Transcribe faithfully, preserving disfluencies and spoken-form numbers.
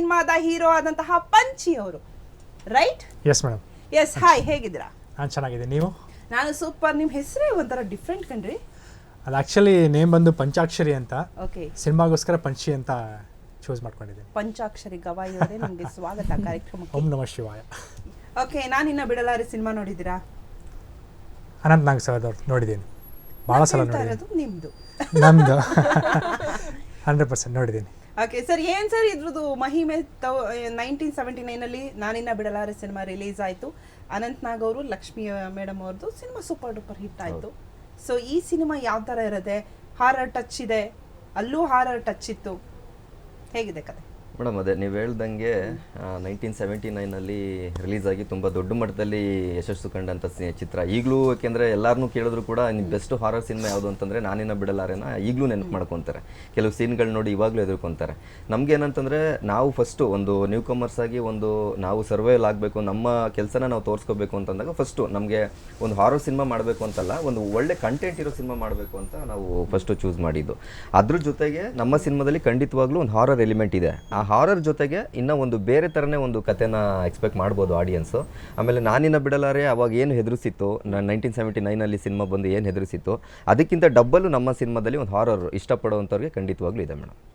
ಸಿನಿಮಾದ ಹೀರೋ ಆದಂತಹ ಪಂಚಿ ಅವರು, right? Yes madam. Yes, hi, ಹೇಗಿದ್ದೀರಾ? ನಾನು ಚೆನ್ನಾಗಿದ್ದೀನಿ, ನೀವು? ನಾನು ಸೂಪರ್. ನಿಮ್ಮ ಹೆಸರೇ ಒಂಥರ ಡಿಫ್ರೆಂಟ್ ಕಣ್ರಿ. ಅದು ಆ್ಯಕ್ಚುಲಿ ನೇಮ್ ಬಂದು ಪಂಚಾಕ್ಷರಿ ಅಂತ, ಓಕೆ, ಸಿನಿಮಾಗೋಸ್ಕರ ಪಂಚಿ ಅಂತ ಚೂಸ್ ಮಾಡ್ಕೊಂಡಿದ್ದೀನಿ. ಪಂಚಾಕ್ಷರಿ ಗವಾಯಿ ಅವರೇ, ನಿಮಗೆ ಸ್ವಾಗತ ಕಾರ್ಯಕ್ರಮಕ್ಕೆ. ಓಂ ನಮಃ ಶಿವಾಯ. ಓಕೆ, ನಾನು ಇನ್ನ ಬಿಡಲಾರೆ ಸಿನಿಮಾ ನೋಡಿದ್ದೀರಾ? ಅನಂತ್ ನಾಗ್ ಸರ್ ಅವ್ರು ನೋಡಿದ್ದೀನಿ, ಭಾಳ ಸಲ ನೋಡಿದ್ದೀನಿ. ನಿಮ್ಮದು ನಮ್ಮದು ಹಂಡ್ರೆಡ್ ಪರ್ಸೆಂಟ್ ನೋಡಿದ್ದೀನಿ. ಓಕೆ ಸರ್, ಏನು ಸರ್ ಇದ್ರದ್ದು ಮಹಿಮೆ? ತೌ ನೈನ್ಟೀನ್ ಸೆವೆಂಟಿ ನೈನಲ್ಲಿ ನಾನಿನ್ನ ಬಿಡಲಾರೆ ಸಿನಿಮಾ ರಿಲೀಸ್ ಆಯಿತು. ಅನಂತ್ ನಾಗ್ ಅವರು, ಲಕ್ಷ್ಮಿ ಮೇಡಮ್ ಅವ್ರದ್ದು ಸಿನಿಮಾ ಸೂಪರ್ ಡೂಪರ್ ಹಿಟ್ ಆಯಿತು. ಸೊ ಈ ಸಿನಿಮಾ ಯಾವ ಥರ ಇರುತ್ತೆ? ಹಾರರ್ ಟಚ್ ಇದೆ, ಅಲ್ಲೂ ಹಾರರ್ ಟಚ್ ಇತ್ತು, ಹೇಗಿದೆ ಕತೆ? ಮೇಡಮ್, ಅದೇ ನೀವು ಹೇಳ್ದಂಗೆ ನೈನ್ಟೀನ್ ಸೆವೆಂಟಿ ನೈನಲ್ಲಿ ರಿಲೀಸ್ ಆಗಿ ತುಂಬ ದೊಡ್ಡ ಮಟ್ಟದಲ್ಲಿ ಯಶಸ್ಸು ಕಂಡಂಥ ಚಿತ್ರ. ಈಗಲೂ ಯಾಕೆಂದರೆ ಎಲ್ಲರನ್ನೂ ಕೇಳಿದ್ರು ಕೂಡ ಬೆಸ್ಟ್ ಹಾರರ್ ಸಿನಿಮಾ ಯಾವುದು ಅಂತಂದರೆ ನಾನಿನ್ನ ಬಿಡಲಾರೆನ ಈಗಲೂ ನೆನಪು ಮಾಡ್ಕೊತಾರೆ. ಕೆಲವು ಸೀನ್ಗಳು ನೋಡಿ ಇವಾಗಲೂ ಎದುರ್ಕೊತಾರೆ. ನಮ್ಗೆ ಏನಂತಂದರೆ, ನಾವು ಫಸ್ಟು ಒಂದು ನ್ಯೂ ಕಮರ್ಸ್ ಆಗಿ ಒಂದು ನಾವು ಸರ್ವೈವಲ್ ಆಗಬೇಕು, ನಮ್ಮ ಕೆಲಸನ ನಾವು ತೋರಿಸ್ಕೋಬೇಕು ಅಂತಂದಾಗ ಫಸ್ಟು ನಮಗೆ ಒಂದು ಹಾರರ್ ಸಿನಿಮಾ ಮಾಡಬೇಕು ಅಂತಲ್ಲ, ಒಂದು ಒಳ್ಳೆ ಕಂಟೆಂಟ್ ಇರೋ ಸಿನಿಮಾ ಮಾಡಬೇಕು ಅಂತ ನಾವು ಫಸ್ಟು ಚೂಸ್ ಮಾಡಿದ್ದು. ಅದ್ರ ಜೊತೆಗೆ ನಮ್ಮ ಸಿನಿಮಾದಲ್ಲಿ ಖಂಡಿತವಾಗ್ಲೂ ಒಂದು ಹಾರರ್ ಎಲಿಮೆಂಟ್ ಇದೆ. ಆ ಹಾರರ್ ಜೊತೆಗೆ ಇನ್ನೂ ಒಂದು ಬೇರೆ ಥರನೇ ಒಂದು ಕಥೆನ ಎಕ್ಸ್ಪೆಕ್ಟ್ ಮಾಡ್ಬೋದು ಆಡಿಯನ್ಸು. ಆಮೇಲೆ ನಾನಿನ್ನ ಬಿಡಲಾರೆ ಅವಾಗ ಏನು ಹೆದರಿಸಿತ್ತು, ನಾನು ನೈನ್ಟೀನ್ ಸೆವೆಂಟಿ ನೈನಲ್ಲಿ ಸಿನಿಮಾ ಬಂದು ಏನು ಹೆದರಿಸಿತ್ತು, ಅದಕ್ಕಿಂತ ಡಬ್ಬಲು ನಮ್ಮ ಸಿನಿಮಾದಲ್ಲಿ ಒಂದು ಹಾರರ್ ಇಷ್ಟಪಡೋವಂಥವ್ರಿಗೆ ಖಂಡಿತವಾಗ್ಲೂ ಇದೆ ಮೇಡಮ್.